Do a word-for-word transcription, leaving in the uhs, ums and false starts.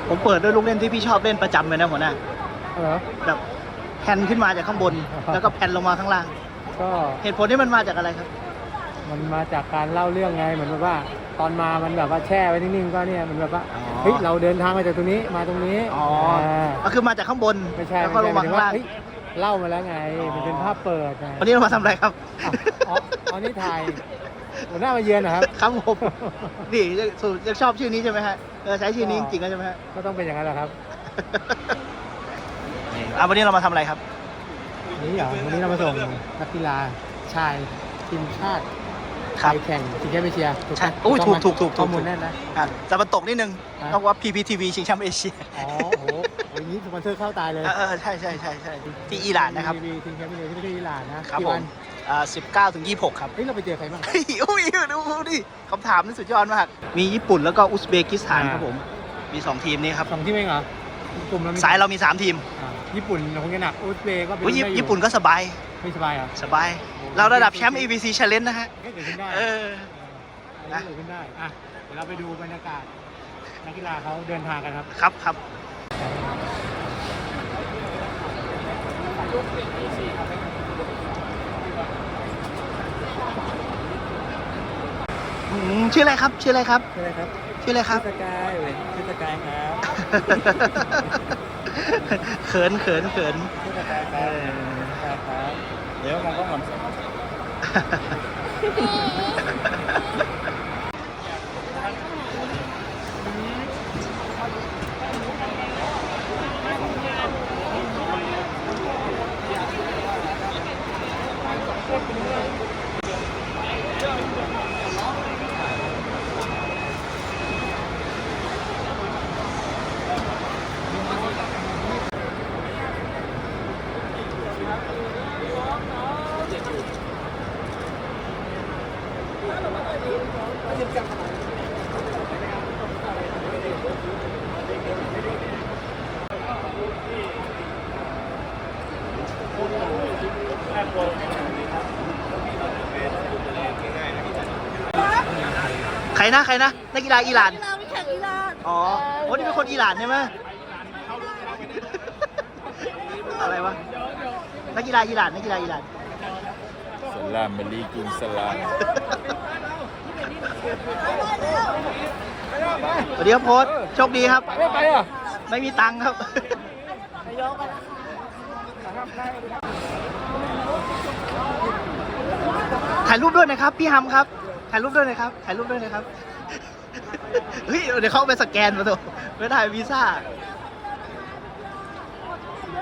ผมเปิดด้วยลูกเล่นที่พี่ชอบเล่นประจำเลยนะหัวหน้าเหรอแบบแผ่นขึ้นมาจากข้างบน แล้วก็แผ่นลงมาข้างล่างก็เหตุผลที่มันมาจากอะไรครับมันมาจากการเล่าเรื่องไงเหมือนแบบว่า ตอนมามันแบบว่าแช่ไว้นิ่งๆก็เนี่ยมันแบบว่าอ๋อเฮ้ยเราเดินทางมาจากตรงนี้มาตรงนี้อ๋อาก็คือมาจากข้างบนไม่ใช่แล้วไม่ก็ลใช่งหมาายถึข้าง งว่าล่างเฮ้ยเล่ามาแล้วไงอ๋อมันเป็นภาพเปิดไงวันนี้เรามาทำอะไรครับอ๋ออ๋อนี่ถ่ายหัวหน้ามาเยือนนะครับครับผมนี่สูยังชอบชื่อนี้ใช่ไหมฮะเออใช้ชื่อนี้จริงๆแล้วใช่ไหมฮะก็ต้องเป็นอย่างนั้นแหละครับอ่ะวันนี้เรามาทำอะไรครับนี่เหรอวันนี้เรามาส่งนักกีฬาชายทีมชาติไทครับยแข่งชิงแชมป์เอเชียถูกใช่ปะโอ้ยต้งไหมถูกถูกถูกข้อมูลแน่นนะอ่ะแต่มันตกนิดนึงฮะเพราะว่า พี พี ที วี ชิงแชมป์เอเชียอ๋อโอ้โหอย่างนี้สปอนเซอร์เข้าตายเลยเออเออใช่ใช่ใช่ใช่ที่อิหร่านนะครับทีวีชิงแชมป์เอเชียที่ประเทศอิหร่านนะครับ กี่ผวัมนอ่าสิบเก้าถึงยี่สิบหกครับเฮ้ยเราไปเจอใครบ้างเฮ้ยอุ้ยดูดิคำถามนี่สุดยอดมาก มีญี่ปุ่นแล้วก็อุซเบกิสถานอ่าครับผม มีสองทีมนี้ครับสองทีมเองเหรอ กลุ่มเรามีสายเรามีสามทีมอ่าญี่ปุ่นเราคงจะหนักอุซเบย์ก็เป็นอุ๊ยได้อยู่ญี่ปุ่นก็สบายไม่สบายเหรอสบาย เราระดับแชมป์ เอ บี ซี Challenge นะฮะก็เกิดขึ้นได้เออเออเกิดขึ้นได้อ่ะเดี๋ยวเราไปดูบรรยากาศนักกีฬาเขาเดินทางกันครับครับครับอืมชื่ออะไรครับ ชื่ออะไรครับใช่ไหมครับชื่ออะไรครับสกายเว้ยชื่อสกายครับเขินเขินเขินชื่อสกายคเอรับอครับเดี๋ยวมองกล้องก่อนใครนะใครนะนักกีฬาอิหร่านกีฬาไม่แข่งกีฬาอ๋อโอ้นี่เป็นคนอิหร่านใช่ไหม อะไรวะ นักกีฬาอิหร่านนักกีฬาอิหร่านสลามมะลีกุมสลามสวัสดีครับโพสต์โชคดีครับไม่ไปอ่ะไม่มีตังค์ครับ ถ่ายรูปด้วยนะครับ พี่ฮัมครับ ถ่ายรูปด้วยนะครับ ถ่ายรูปด้วยนะครับ เฮ้ย เดี๋ยวเขาเอาไปสแกนมาตัวไม่ได้วีซ่า